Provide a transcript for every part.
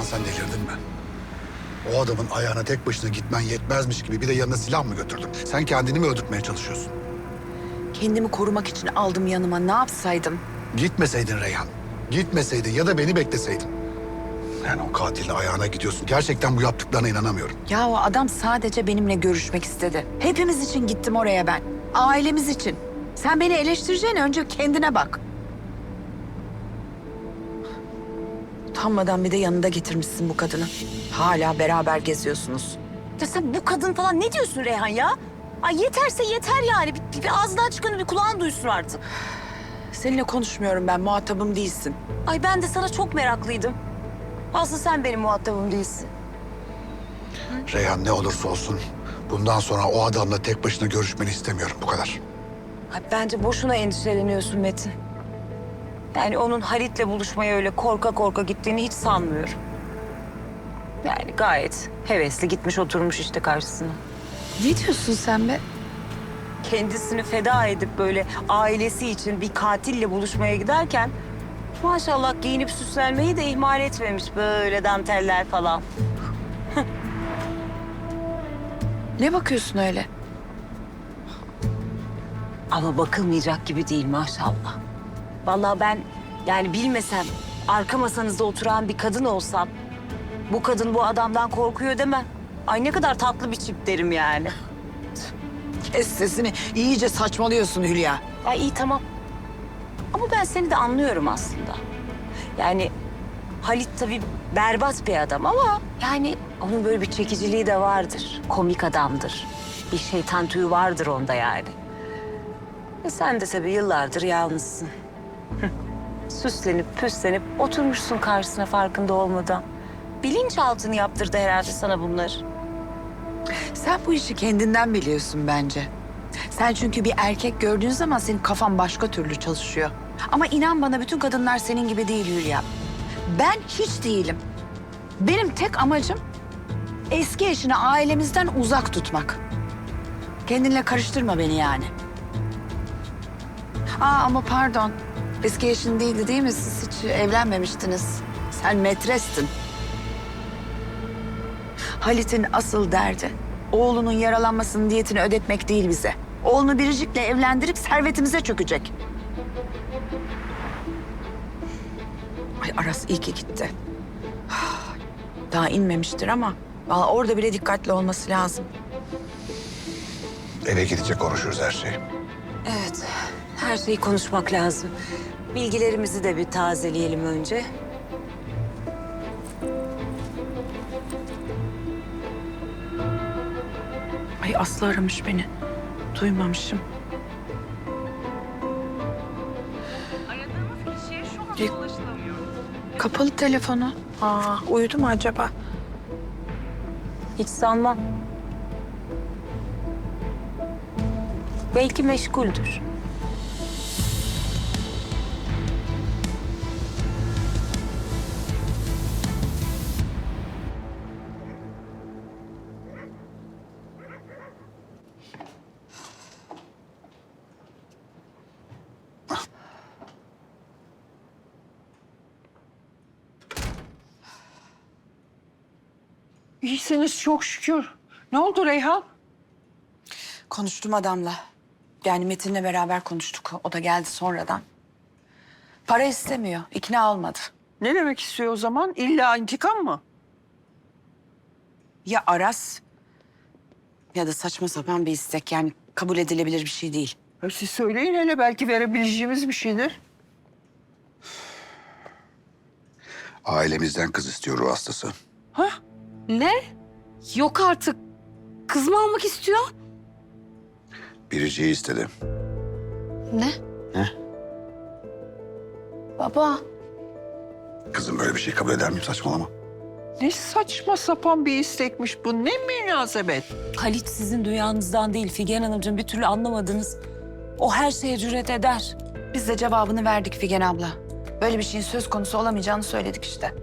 Reyhan sen delirdin mi? O adamın ayağına tek başına gitmen yetmezmiş gibi bir de yanına silah mı götürdün? Sen kendini mi öldürtmeye çalışıyorsun? Kendimi korumak için aldım yanıma. Ne yapsaydım? Gitmeseydin Reyhan. Gitmeseydin ya da beni bekleseydin. Yani o katilin ayağına gidiyorsun. Gerçekten bu yaptıklarına inanamıyorum. Ya o adam sadece benimle görüşmek istedi. Hepimiz için gittim oraya ben. Ailemiz için. Sen beni eleştireceğine önce kendine bak. Utanmadan bir de yanında getirmişsin bu kadını. Hala beraber geziyorsunuz. Ya sen bu kadın falan ne diyorsun Reyhan ya? Ay yeterse yeter yani. Bir ağzından çıkanı bir kulağın duysun artık. Seninle konuşmuyorum ben, muhatabım değilsin. Ay ben de sana çok meraklıydım. Aslında sen benim muhatabım değilsin. Reyhan ne olursa olsun bundan sonra o adamla tek başına görüşmeni istemiyorum. Bu kadar. Ay bence boşuna endişeleniyorsun Metin. Yani onun Halit'le buluşmaya öyle korka korka gittiğini hiç sanmıyorum. Yani gayet hevesli gitmiş oturmuş işte karşısına. Ne diyorsun sen be? Kendisini feda edip böyle ailesi için bir katille buluşmaya giderken maşallah giyinip süslenmeyi de ihmal etmemiş, böyle danteller falan. Ne bakıyorsun öyle? Ama bakılmayacak gibi değil maşallah. Vallahi ben yani bilmesem, arka masanızda oturan bir kadın olsam bu kadın bu adamdan korkuyor demem. Ay ne kadar tatlı bir çift derim yani. Kes sesini. İyice saçmalıyorsun Hülya. Ay iyi tamam. Ama ben seni de anlıyorum aslında. Yani Halit tabii berbat bir adam ama yani onun böyle bir çekiciliği de vardır. Komik adamdır. Bir şeytan tüyü vardır onda yani. Sen de tabii yıllardır yalnızsın. Süslenip püslenip oturmuşsun karşısına farkında olmadan. Bilinçaltını yaptırdı herhalde sana bunları. Sen bu işi kendinden biliyorsun bence. Sen çünkü bir erkek gördüğün zaman senin kafan başka türlü çalışıyor. Ama inan bana bütün kadınlar senin gibi değil Hülya. Ben hiç değilim. Benim tek amacım eski eşini ailemizden uzak tutmak. Kendinle karıştırma beni yani. Ama pardon. Eski eşin değildi değil mi? Siz hiç evlenmemiştiniz. Sen metrestin. Halit'in asıl derdi oğlunun yaralanmasının diyetini ödetmek değil bize. Oğlunu Biricik'le evlendirip servetimize çökecek. Ay Aras iyi ki gitti. Daha inmemiştir ama vallahi orada bile dikkatli olması lazım. Eve gidince konuşuruz her şeyi. Evet, her şeyi konuşmak lazım. Bilgilerimizi de bir tazeleyelim önce. Ay Aslı aramış beni. Duymamışım. Aradığınız kişiye şu anda ulaşılamıyor. Kapalı telefonu. Uyudu mu acaba? Hiç sanmam. Belki meşguldür. İyisiniz çok şükür. Ne oldu Reyhan? Konuştum adamla. Yani Metin'le beraber konuştuk. O da geldi sonradan. Para istemiyor. İkna olmadı. Ne demek istiyor o zaman? İlla intikam mı? Ya Aras ya da saçma sapan bir istek. Yani kabul edilebilir bir şey değil. Siz söyleyin hele, belki verebileceğimiz bir şeydir. Ailemizden kız istiyor ruh hastası. Ha? Ne? Yok artık. Kız mı almak istiyor? Biricik'i istedi. Ne? Ne? Baba. Kızım böyle bir şey kabul eder miyim? Saçmalama. Ne saçma sapan bir istekmiş bu. Ne münasebet. Halit sizin dünyanızdan değil Figen Hanımcığım, bir türlü anlamadınız. O her şeye cüret eder. Biz de cevabını verdik Figen abla. Böyle bir şeyin söz konusu olamayacağını söyledik işte.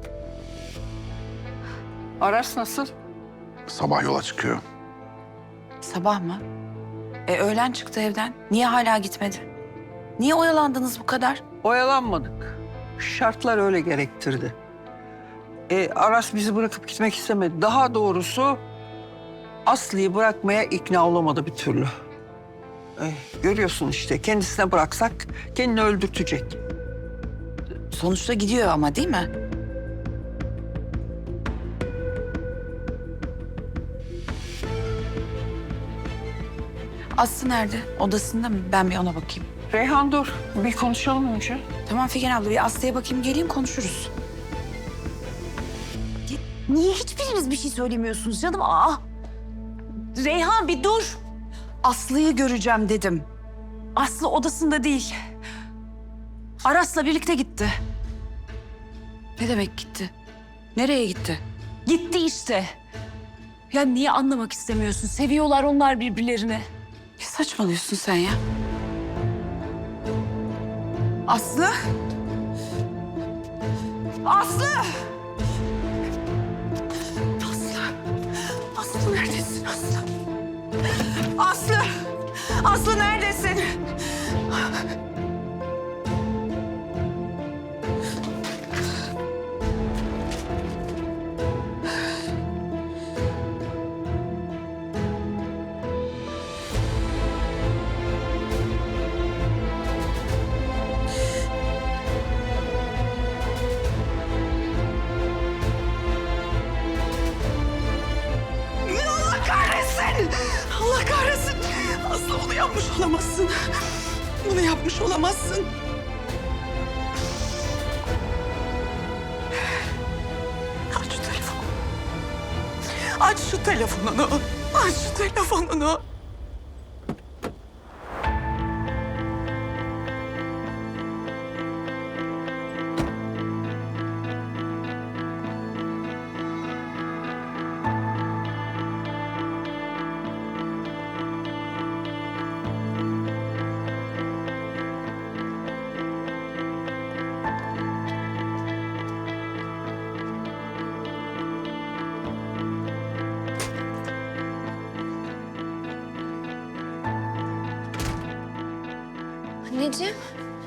Aras nasıl? Sabah yola çıkıyor. Sabah mı? Öğlen çıktı evden. Niye hala gitmedi? Niye oyalandınız bu kadar? Oyalanmadık. Şartlar öyle gerektirdi. Aras bizi bırakıp gitmek istemedi. Daha doğrusu Aslı'yı bırakmaya ikna olamadı bir türlü. Görüyorsun işte, kendisine bıraksak kendini öldürtecek. Sonuçta gidiyor ama değil mi? Aslı nerede? Odasında mı? Ben bir ona bakayım. Reyhan dur, bir konuşalım önce. Tamam Figen abla, bir Aslı'ya bakayım, geleyim konuşuruz. Niye hiçbiriniz bir şey söylemiyorsunuz canım? Reyhan bir dur. Aslı'yı göreceğim dedim. Aslı odasında değil. Aras'la birlikte gitti. Ne demek gitti? Nereye gitti? Gitti işte. Ya niye anlamak istemiyorsun? Seviyorlar onlar birbirlerini. Ne saçmalıyorsun sen ya? Aslı? Aslı! Aslı! Aslı neredesin Aslı? Aslı! Aslı neredesin? Allah kahretsin! Allah kahretsin! Aslı bunu yapmış olamazsın. Bunu yapmış olamazsın. Aç şu telefonu. Aç şu telefonunu. Aç şu telefonunu. Anneciğim.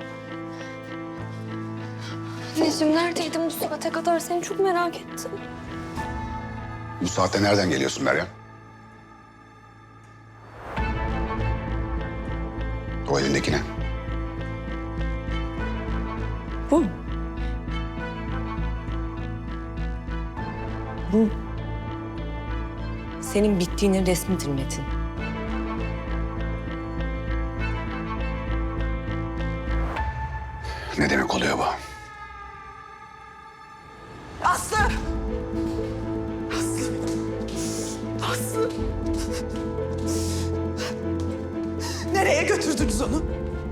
Anneciğim neredeydin bu saate kadar? Seni çok merak ettim. Bu saatte nereden geliyorsun Meryem? O elindeki ne? Bu. Bu. Senin bittiğinin resmidir Metin. Ne demek oluyor bu? Aslı! Aslı! Aslı! Nereye götürdünüz onu?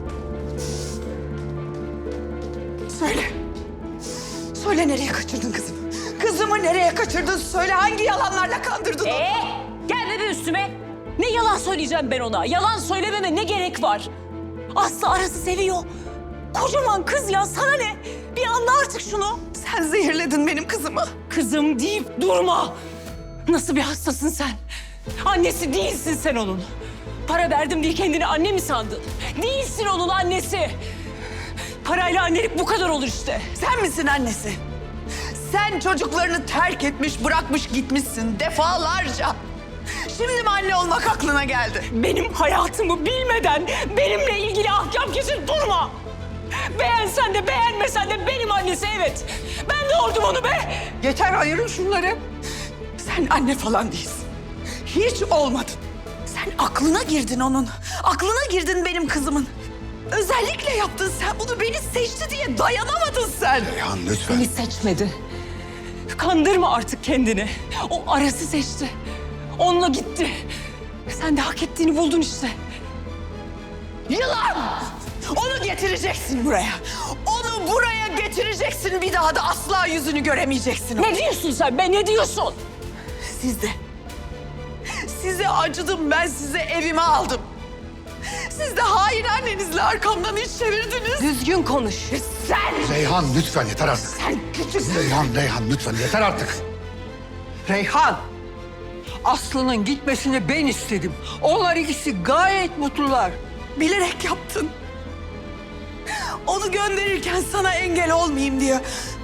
Söyle. Söyle, nereye kaçırdın kızımı? Kızımı nereye kaçırdın? Söyle, hangi yalanlarla kandırdın onu? Gelme be üstüme. Ne yalan söyleyeceğim ben ona? Yalan söylememe ne gerek var? Aslı Aras'ı seviyor. Kocaman kız ya, sana ne? Bir anla artık şunu. Sen zehirledin benim kızımı. Kızım deyip durma. Nasıl bir hastasın sen? Annesi değilsin sen onun. Para verdim diye kendini anne mi sandın? Değilsin onun annesi. Parayla annelik bu kadar olur işte. Sen misin annesi? Sen çocuklarını terk etmiş, bırakmış gitmişsin defalarca. Şimdi mi anne olmak aklına geldi? Benim hayatımı bilmeden benimle ilgili ahkam kesip durma. Beğensen de beğenmesen de benim annesi, evet. Ben doğurdum onu be. Yeter, ayırın şunları. Sen anne falan değilsin. Hiç olmadın. Sen aklına girdin onun. Aklına girdin benim kızımın. Özellikle yaptın sen bunu, beni seçti diye dayanamadın sen. Reyhan lütfen. Beni seçmedi. Kandırma artık kendini. O Aras'ı seçti. Onunla gitti. Sen de hak ettiğini buldun işte. Yılan! Onu getireceksin buraya. Onu buraya getireceksin. Bir daha da asla yüzünü göremeyeceksin. Ne diyorsun sen be, ne diyorsun? Siz de. Size acıdım ben, size evime aldım. Siz de hain annenizle arkamdan iş çevirdiniz. Düzgün konuş. Sen! Reyhan lütfen yeter artık. Sen küçüksün. Reyhan lütfen yeter artık. Reyhan, Aslı'nın gitmesini ben istedim. Onlar ikisi gayet mutlular. Bilerek yaptın. Onu gönderirken sana engel olmayayım diye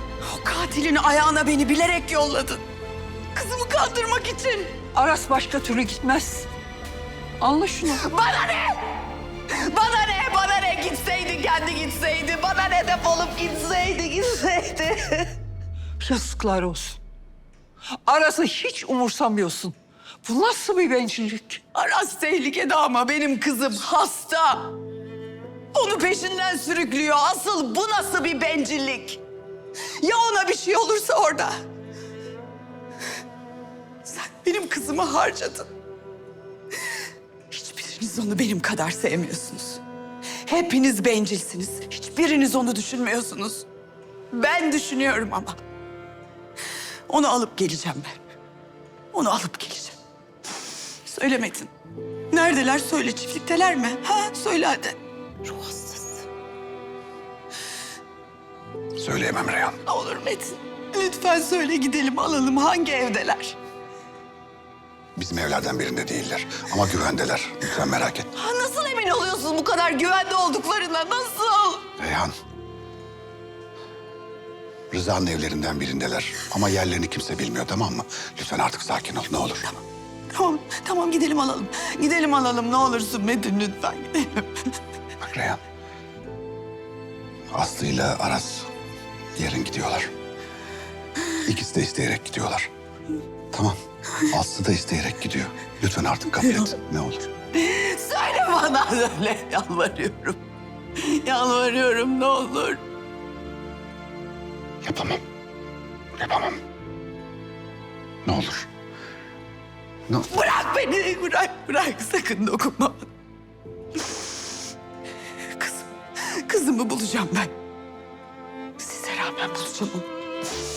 Katilin ayağına beni bilerek yolladın. Kızımı kandırmak için. Aras başka türlü gitmez. Anla şunu. Bana ne? Bana ne? Bana ne? Gitseydi kendi gitseydi. Bana ne, defolup gitseydi. Yazıklar olsun. Aras'ı hiç umursamıyorsun. Bu nasıl bir bencillik? Aras tehlikede ama benim kızım hasta. Onu peşinden sürüklüyor. Asıl bu nasıl bir bencillik? Ya ona bir şey olursa orada? Sen benim kızımı harcadın. Hiçbiriniz onu benim kadar sevmiyorsunuz. Hepiniz bencilsiniz. Hiçbiriniz onu düşünmüyorsunuz. Ben düşünüyorum ama. Onu alıp geleceğim ben. Onu alıp geleceğim. Söyle Metin. Neredeler? Söyle, çiftlikteler mi? Ha, söyle hadi. Ruh hastası. Söyleyemem Reyhan. Ne olur Metin. Lütfen söyle, gidelim alalım. Hangi evdeler? Bizim evlerden birinde değiller ama güvendeler. Lütfen merak etme. Ha, nasıl emin oluyorsun bu kadar güvende olduklarına? Nasıl? Reyhan. Rıza'nın evlerinden birindeler ama yerlerini kimse bilmiyor, tamam mı? Lütfen artık sakin ol, ne olur. Tamam gidelim alalım. Gidelim alalım ne olursun Metin, lütfen gidelim. Bak Reyhan. Aslı ile Aras yarın gidiyorlar. İkisi de isteyerek gidiyorlar. Tamam. Aslı da isteyerek gidiyor. Lütfen artık kabul et. Ne olur. Söyle bana, söyle. Yalvarıyorum. Yalvarıyorum, ne olur. Yapamam. Yapamam. Ne olur. Ne Bırak beni, bırak. Sakın dokunma. Kızımı bulacağım ben. Size rağmen bulacağım onu.